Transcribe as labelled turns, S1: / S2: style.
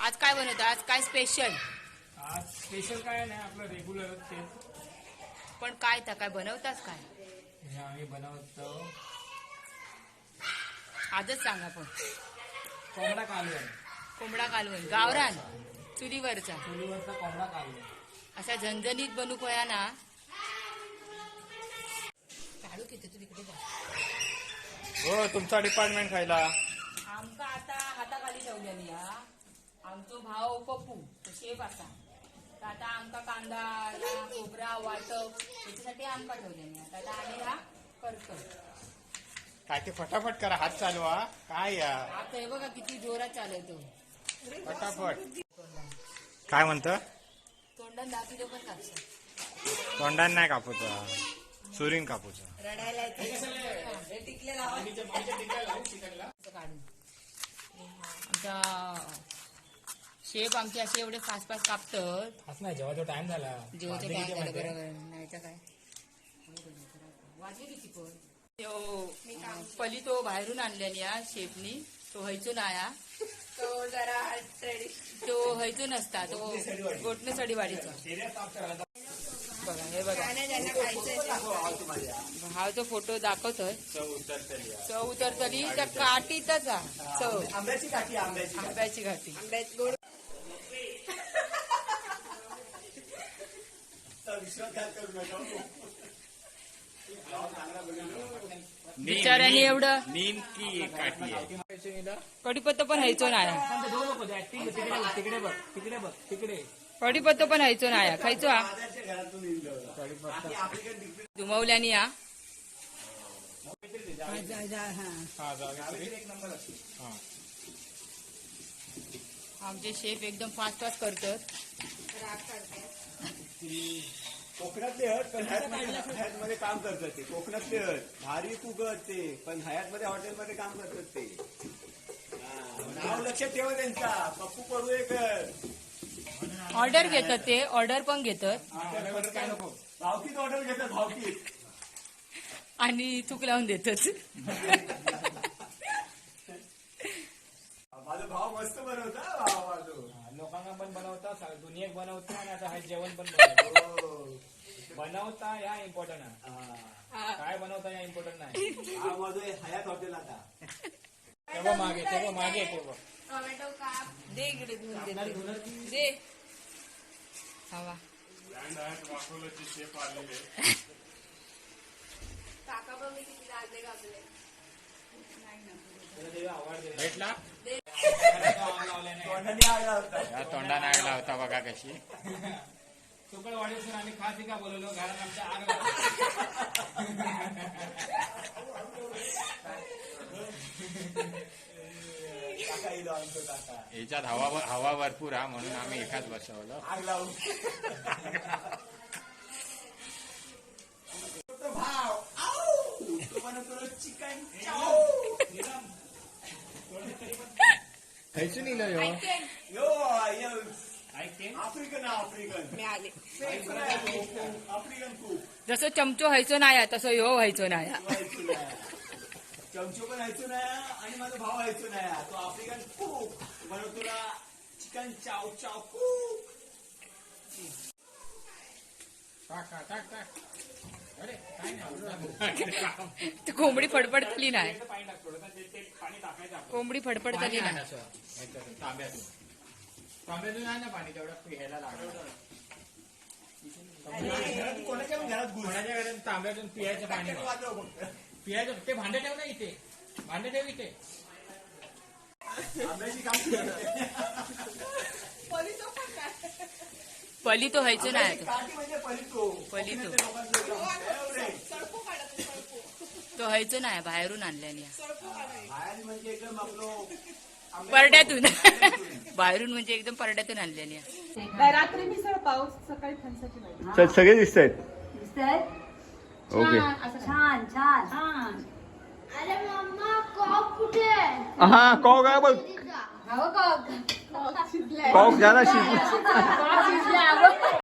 S1: आज काय बनवतं? आज काय स्पेशल?
S2: आज स्पेशल काय नाही, आपलं रेग्युलर तेच.
S1: पण काय काय बनवताच काय?
S2: हे आम्ही बनवतो
S1: आजच सांगा. पण
S2: कोंबडा कालवण.
S1: कोंबडा कालवण गावरान चुलीवरचा
S2: चुलीवरचा कोंबडा कालवण
S1: असा झणझणीत बनू कया ना. काढू किती तू तिकडे जा.
S3: हो तुमचा डिपार्टमेंट खायला
S1: आमका आता हाताखाली ठेवलेली हा. आमचो भाव पप्पू तो शेफ असा. तर आता आमका कांदा खोबरा वाटप याच्यासाठी आमका ठेवलेली आता. आता आम्ही हा करतो.
S3: काय ते फटाफट करा, हात चालवा. काय या
S1: आता हे बघा किती जोरात चालवतो.
S3: फटाफट. काय म्हणतं?
S1: तोंडात दाखवतो पण कापसा.
S3: तोंडान नाही कापूचा, सुरीन कापूचा.
S1: रडायला येते. टिकले काढून आमचा शेफ आमचे असे एवढे फास्ट फास्ट कापतात.
S2: आज नाही, जेव्हा तो टाइम झाला
S1: जेवढे काय झालं बरोबर नाही तर काय. वाजले किती पण पली तो बाहेरून आणल्याने या शेफनी. तो व्हायचो ना तो जरा तो व्हायचो नसता. तो गोटणे सडीवाडीचा बघा. हे बघा हा जो फोटो दाखवतोय. चव उतरतली त्या काठीतच चव. आंब्याची घाटी. बिचाऱ्याने एवढं
S3: नेमकी काठी आहे.
S1: कढीपत्ता पण व्हायचो नाही.
S2: तिकडे बघ, तिकडे बघ, तिकडे.
S1: कढीपत्ता पण व्हायचो नाही. खायचो हा दुमवल्याने या. आमचे शेफ एकदम फास्ट फास्ट करतात.
S4: कोकणातले हट पण हयात मध्ये काम करतात ते. कोकणातले हट भारी कुगत ते, पण हयात मध्ये हॉटेलमध्ये काम करतात ते. नाव लक्षात ठेवा त्यांचा, पप्पू पडुळेकर.
S1: ऑर्डर घेतात ते. ऑर्डर पण घेतात
S2: काय नको.
S4: भावकीत ऑर्डर घेतात, भावकीत.
S1: आणि चूक लावून देतात.
S4: माझा भाव मस्त बनवता. भाव माझं
S2: लोकांना पण बनवता, दुनियेक बनवता, आणि आता हा जेवण पण बनवता. या इम्पॉर्टंट आहे. काय बनवता या इम्पॉर्टंट नाही.
S4: हा माझं हयात हॉटेल आता.
S2: तेव्हा मागे तेव्हा
S1: टोमॅटो काप दे इकडे धुवून दे. हवा काका पण मी किती लागले कापले.
S3: भेटला
S4: तोंडाने आग लावता.
S3: या तोंडाने आग लावता बघा कशी.
S2: सुकळ वाढीसून आम्ही खास का बोलवलो, घरात आमच्या आग लावली.
S4: काका येलो आमचं काका.
S3: याच्यात हवा भरपूर हा, म्हणून आम्ही एकाच बसवलं.
S4: आग लावून भाव बनवतो चिकन चाव.
S3: खायचं नाही यो.
S4: यो
S2: ऐकते
S4: आफ्रिकन
S1: मिळाले.
S4: आफ्रिकन खूप
S1: जसं चमचो व्हायचो नाही तसं ह्यो व्हायचो नाही.
S4: चमचो पण व्हायचो नाही आणि माझा भाव व्हायचो नाही. तो आफ्रिकन खूप म्हणून तुला चिकन चाव चाव खूप.
S3: टाक. अरे काय नाही.
S1: ती कोंबडी फडफडतली नाही.
S2: पाणी टाक थोडं, ते पाणी टाकायचं आपण.
S1: कोंबडी फडफडतली नाही.
S3: तांब्यातून आहे ना पाणी, तेवढं घ्यायला लागलं.
S4: कोणाच्या पण घरात घुस.
S3: कोणाच्या घरात तांब्यातून पियाचं पाणी
S4: वाजव फक्त.
S3: पियाचं. ते भांडे ठेव ना इथे, भांडे ठेव इथे.
S4: आंब्याची काम
S1: पली तो व्हायचो नाही.
S4: काठी म्हणजे पलितो.
S1: पलितो.
S4: फेवरेट.
S1: तो व्हायचो नाही. बाहेरून आणल्याने
S4: बाहेर म्हणजे एकदम आपलं
S1: परड्यातून. बाहेरून म्हणजे एकदम परड्यातून आणल्याने.
S5: रात्री मिसळ पाऊस, सकाळी फणसाची भाजी.
S4: सगळे दिसत आहेत.
S5: दिसतंय?
S4: ओके.
S5: छान छान.
S6: अरे मम्मा कॉक कुठे
S4: हा कॉक आहे बघ.
S5: हो का?
S4: कॉक झाला शिजला.
S5: शिजल्या.